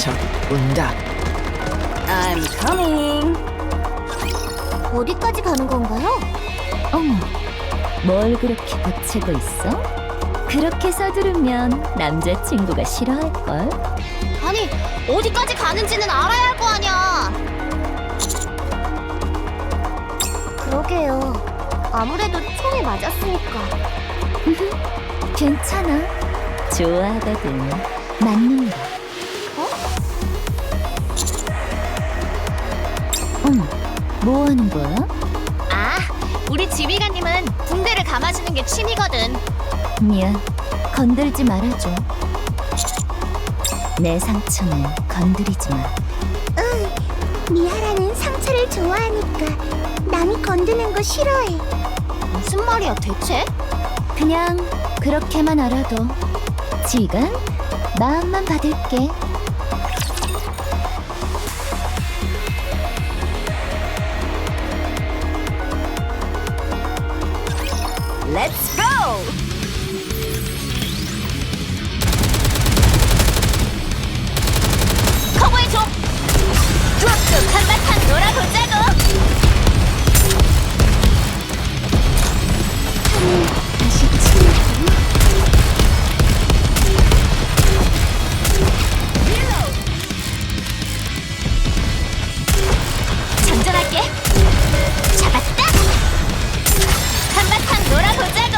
적 온다. I'm coming. 어디까지 가는 건가요? 어머, 뭘 그렇게 붙이고 있어? 그렇게 서두르면 남자친구가 싫어할걸? 아니, 어디까지 가는지는 알아야 할 거 아니야. 그러게요. 아무래도 총에 맞았으니까. 괜찮아. 좋아하거든. 맞는 거. 어머, 뭐 하는 거야? 아, 우리 지휘관님은 붕대를 감아주는 게 취미거든. 미안, 건들지 말아줘. 내 상처는 건드리지 마. 미하라는 상처를 좋아하니까 남이 건드는 거 싫어해. 무슨 말이야 대체? 그냥 그렇게만 알아도. 지금 마음만 받을게. Let's go. 커버해줘. 쭉 한바탕 놀아보자고. 다시 치우고. 장전할게. 잡았다. 한바탕 놀아보자고.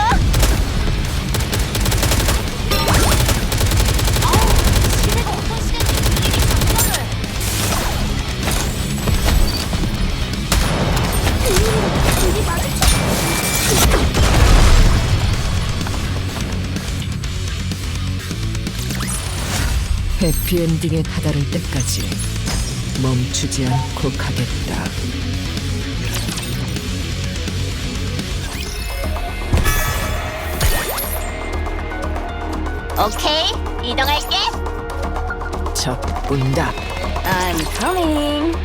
시대가 어떤 시간인지 일일이 장전을. 둘이 마주쳐. 해피엔딩에 다다를 때까지 멈추지 않고 가겠다. 오케이, 이동할게. 적 온다. I'm coming.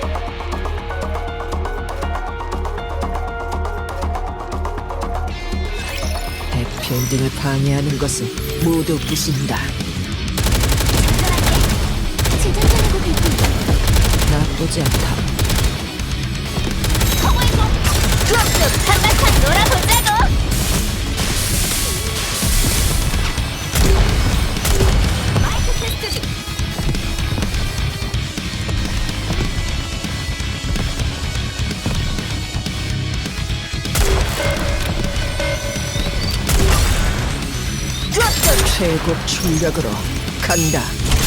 해피엔딩을 방해하는 것은 모두 부순다. 재장전하고 갈게. 나쁘지 않다. 커버해줘. 쭉 한바탕 놀아보자고. 마이크 테스트 중. 최고 출력으로 간다.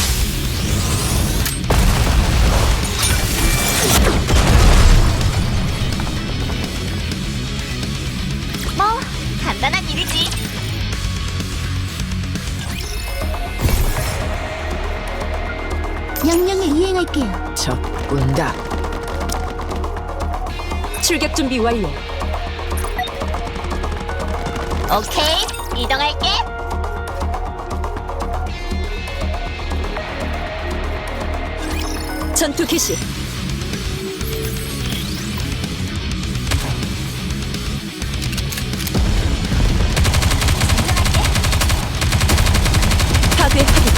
뭐 간단한 일이지. 명령을 이행할게요. 적 온다. 출격 준비 완료. 오케이, 이동할게. 전투 개시. 파괴 확인.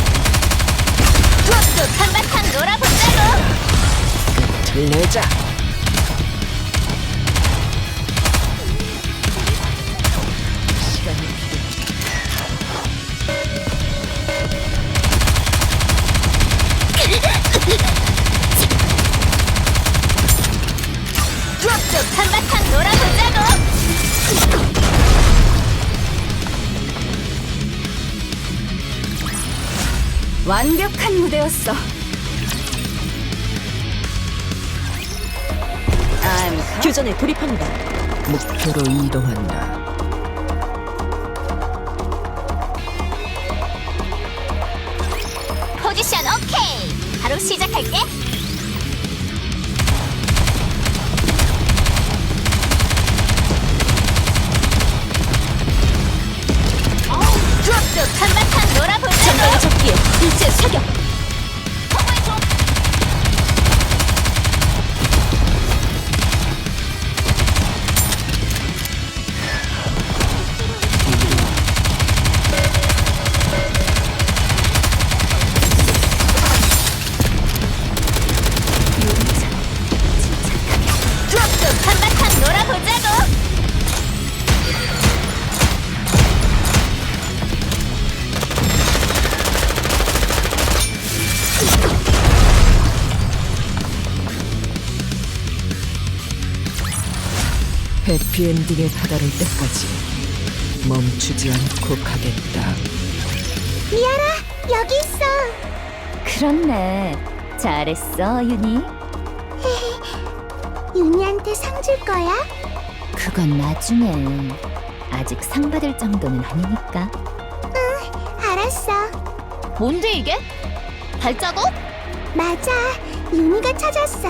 쭉 한바탕 놀아보자고. 끝을 내자. 시간이 필요해. 쭉 한바탕 놀아보자고. 완벽한 무대였어. 교전에 돌입합니다. 목표로 이동한다. 포지션 오케이. 바로 시작할게. 쭉 한바탕 놀아보자고. 전방의 적기에 일제 사격. 커버해줘. 해피엔딩에 다다를 때까지 멈추지 않고 가겠다. 미아라, 여기 있어. 그렇네. 잘했어, 윤희. 윤희한테 상 줄 거야? 그건 나중에. 아직 상 받을 정도는 아니니까. 알았어. 뭔데 이게? 발자국? 맞아, 윤희가 찾았어.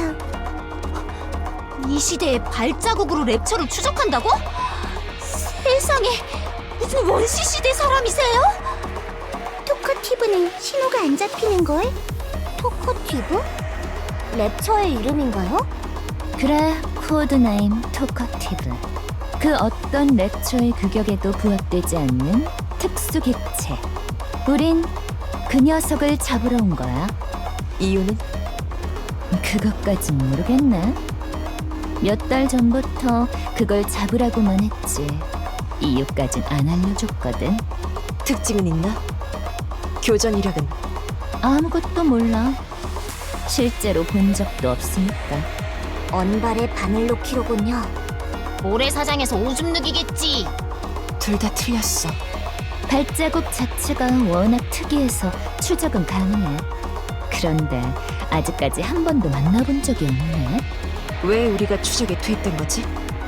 이 시대에 발자국으로 랩처를 추적한다고? 세상에, 무슨 원시 시대 사람이세요? 토커티브는 신호가 안 잡히는걸? 토커티브? 랩처의 이름인가요? 그래, 코드네임 토커티브. 그 어떤 랩처의 규격에도 부합되지 않는 특수 객체. 우린 그 녀석을 잡으러 온 거야. 이유는? 그것까진 모르겠네. 몇 달 전부터 그걸 잡으라고만 했지. 이유까진 안 알려줬거든. 특징은 있나? 교전 이력은? 아무것도 몰라. 실제로 본 적도 없으니까. 언발의 바늘로키로군요. 모래사장에서 오줌 누기겠지. 둘 다 틀렸어. 발자국 자체가 워낙 특이해서 추적은 가능해. 그런데 아직까지 한 번도 만나본 적이 없네. 왜 우리가 추적에 투입된 거지?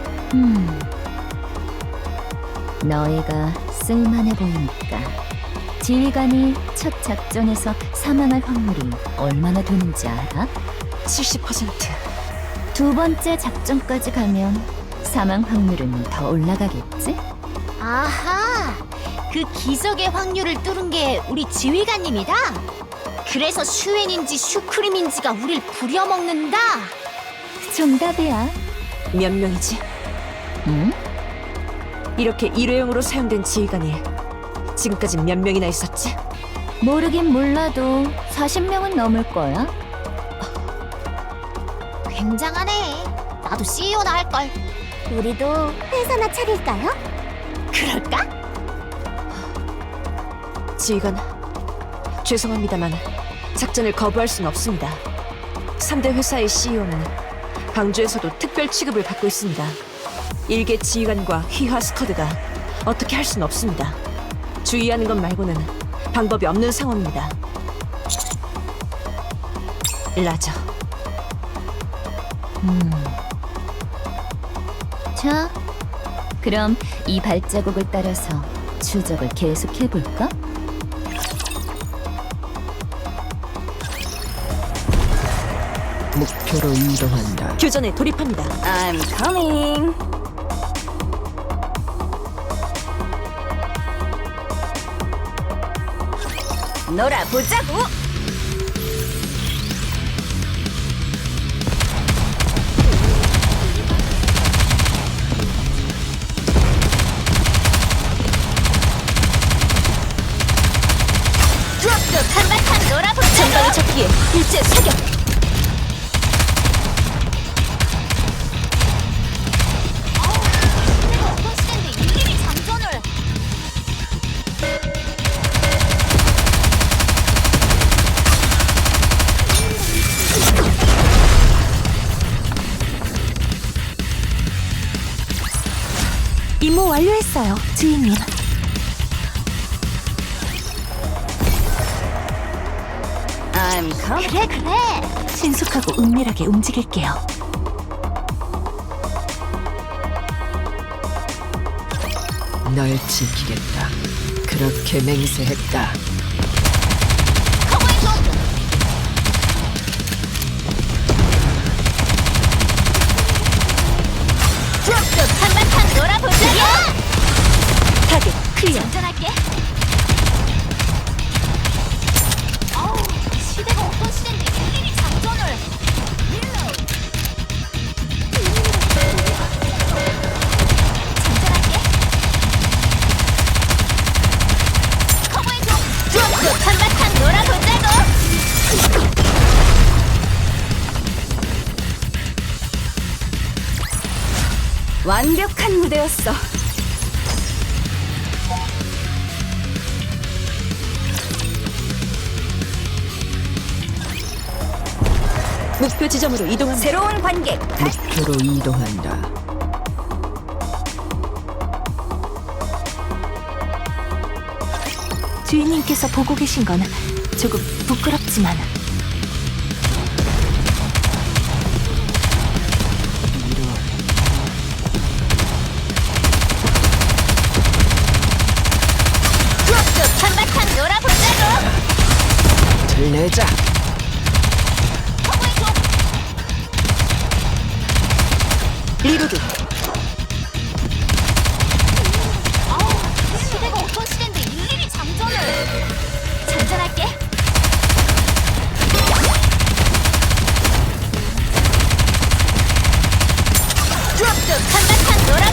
너희가 쓸만해 보이니까. 지휘관이 첫 작전에서 사망할 확률이 얼마나 되는지 알아? 70%. 두 번째 작전까지 가면 사망 확률은 더 올라가겠지? 아하, 그 기적의 확률을 뚫은 게 우리 지휘관님이다. 그래서 슈엔인지 슈크림인지가 우릴 부려먹는다. 정답이야. 몇 명이지? 응? 이렇게 일회용으로 사용된 지휘관이 지금까지 몇 명이나 있었지? 모르긴 몰라도 40명은 넘을 거야. 굉장하네. 나도 CEO나 할걸. 우리도 회사나 차릴까요? 그럴까? 지휘관, 죄송합니다만 작전을 거부할 수는 없습니다. 3대 회사의 CEO는 방주에서도 특별 취급을 받고 있습니다. 일개 지휘관과 휘하 스쿼드가 어떻게 할 수는 없습니다. 주의하는 것 말고는 방법이 없는 상황입니다. 라저. 자, 그럼 이 발자국을 따라서 추적을 계속해볼까? 목표로 이동한다. 교전에 돌입합니다. I'm coming. 놀아보자고. 쭉 한바탕 놀아보자고. 전방의 적기에 일제 사격. 임무 완료했어요, 주인님. 그래. 신속하고 은밀하게 움직일게요. 널 지키겠다. 그렇게 맹세했다. 커버해줘. 쭉 한바탕 놀아보자고. 타겟 클리어. 전전할게. 시대가 어떤 시대인데 일일이 장전을. 장전할게. 커버해줘. 쭉 한바탕 놀아보자고. 완벽한 무대였어. 목표 지점으로 이동한 새로운 관객. 목표로 이동한다. 주인님께서 보고 계신 건 조금 부끄럽지만. 쭉 한바탕 놀아보자고. 들내자. 리로드. 시대가 어떤 시대인데 일일이 장전을. 장전할게. 쭉 한바탕 놀아.